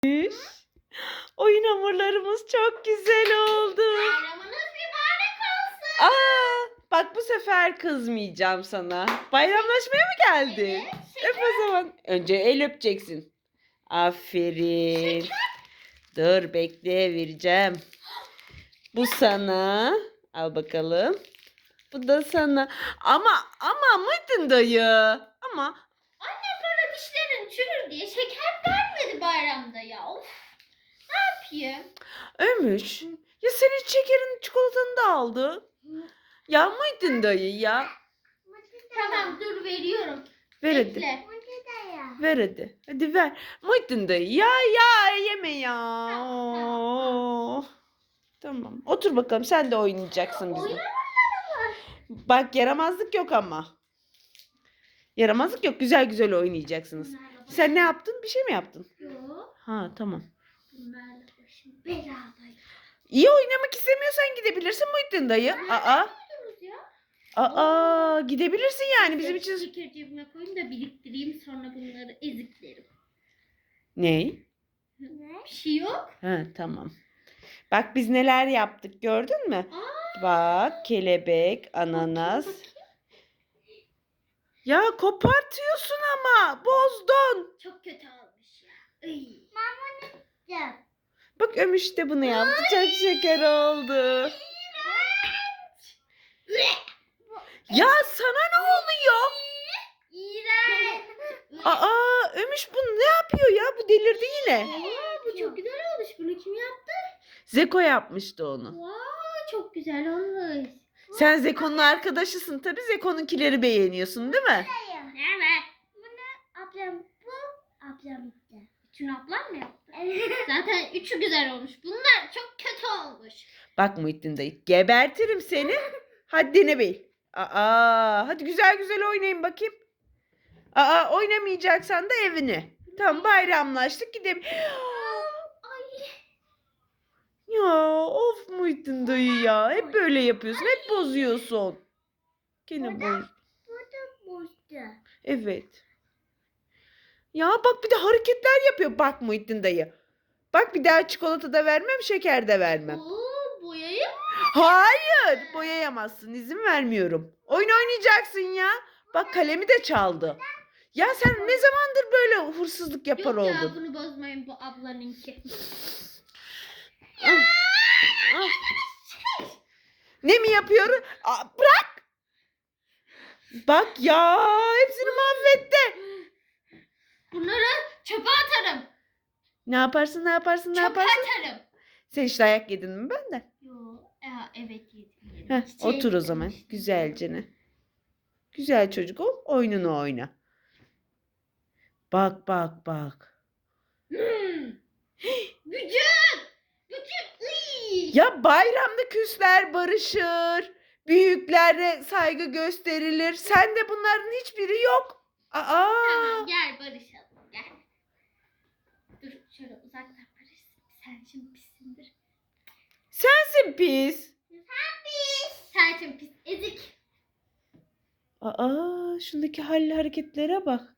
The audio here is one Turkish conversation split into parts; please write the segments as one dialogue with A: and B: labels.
A: Oyun hamurlarımız çok güzel oldu.
B: Bayramınız mübarek olsun.
A: Bak bu sefer kızmayacağım sana. Bayramlaşmaya mı geldin?
B: Evet,
A: Öp o zaman. Önce el öpeceksin. Aferin. Dur bekle vereceğim. Bu sana. Al bakalım. Bu da sana. Ama mıydın dayı? Ama
B: Annem bana dişlerin çürür diye şeker vermedi bayramda ya. Of. Ne yapayım?
A: Ömüş. Ya senin şekerin çikolatanı da aldı. Ya mıydın dayı ya?
B: Tamam dur veriyorum.
A: Ver hadi.
B: Bekle.
A: Ver hadi. Hadi ver. Muhittin dayı. Ya yeme ya. Oo. Tamam. Otur bakalım. Sen de oynayacaksın bizimle. Bak yaramazlık yok ama. Yaramazlık yok. Güzel güzel oynayacaksınız. Sen ne yaptın? Bir şey mi yaptın?
B: Yok.
A: Ha tamam.
B: Bunlarla başım belada.
A: İyi oynamak istemiyorsan gidebilirsin Muhittin dayı. Gidebilirsin yani bizim için.
B: Şeker cebime koyayım da biriktireyim sonra bunları eziklerim.
A: Ney?
B: Bir şey yok.
A: Ha tamam. Bak biz neler yaptık gördün mü? Bak kelebek, ananas. Ya kopartıyorsun ama bozdun.
B: Çok kötü olmuş ya. Iy.
A: Bak Ömüş de bunu yaptı. Çok şeker oldu. Ya sana ne oluyor?
B: İğrenç.
A: Ömüş bu ne yapıyor ya? Bu delirdi yine.
B: Bu çok güzel olmuş. Bunu kim yaptı?
A: Zeko yapmıştı onu.
B: Çok güzel olmuş.
A: Sen Zeko'nun arkadaşısın. Tabii Zeko'nunkileri beğeniyorsun değil mi?
B: Evet. Ablam yaptı. Üçünü ablam mı yaptı? Zaten üçü güzel olmuş. Bunlar çok kötü olmuş.
A: Bak Muhittin dayı gebertirim seni. Haddini bil. Hadi güzel güzel oynayın bakayım. Oynamayacaksan da evine. Tamam bayramlaştık gidelim. Ya of Muhittin dayı ya. Hep böyle yapıyorsun. Hep bozuyorsun. Gene boz. Evet. Ya bak bir de hareketler yapıyor. Bak Muhittin dayı. Bak bir daha çikolata da vermem, şeker de vermem.
B: Boyayı mı?
A: Hayır, boyayamazsın. İzin vermiyorum. Oyun oynayacaksın ya. Bak kalemi de çaldı. Ya sen ne zamandır böyle hırsızlık yapar
B: Yok ya
A: oldun?
B: bunu bozmayın bu ablanınki.
A: Ne mi yapıyorum? Bırak. Bak ya hepsini mahvetti.
B: Bunları çöpe atarım.
A: Ne yaparsın?
B: Çöpe atarım.
A: Sen hiç dayak yedin mi benden?
B: Yok. Evet yedim.
A: Otur o zaman güzelce ne? Güzel çocuk ol, oyununu oyna. Bak.
B: Bütün. Iy.
A: Ya bayramda küsler barışır. Büyüklere saygı gösterilir. Sende bunların hiçbiri yok.
B: Tamam gel barışalım gel. Dur şöyle uzaktan barışsın. Sen şimdi pissindir.
A: Sensin pis.
B: Sen şimdi pis ezik.
A: Şundaki halli hareketlere bak.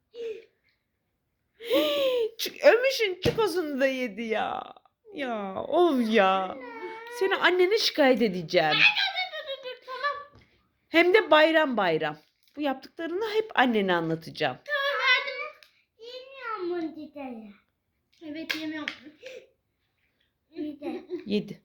A: Ömüş'ün çikozunu da yedi ya. Ya of ya. Seni annene şikayet edeceğim.
B: Dur, tamam.
A: Hem de bayram. Bu yaptıklarını hep annene anlatacağım.
B: Tamam verdim. Evet yemiyorum.
A: Yedi.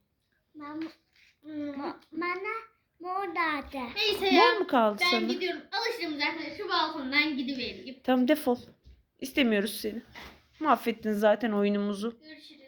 B: Neyse
A: Mor
B: ya.
A: mu kaldı
B: Ben
A: sana?
B: gidiyorum. Alıştım zaten şu balkondan gidivereyim.
A: Tamam defol. İstemiyoruz seni. Mahvettin zaten oyunumuzu.
B: Görüşürüz.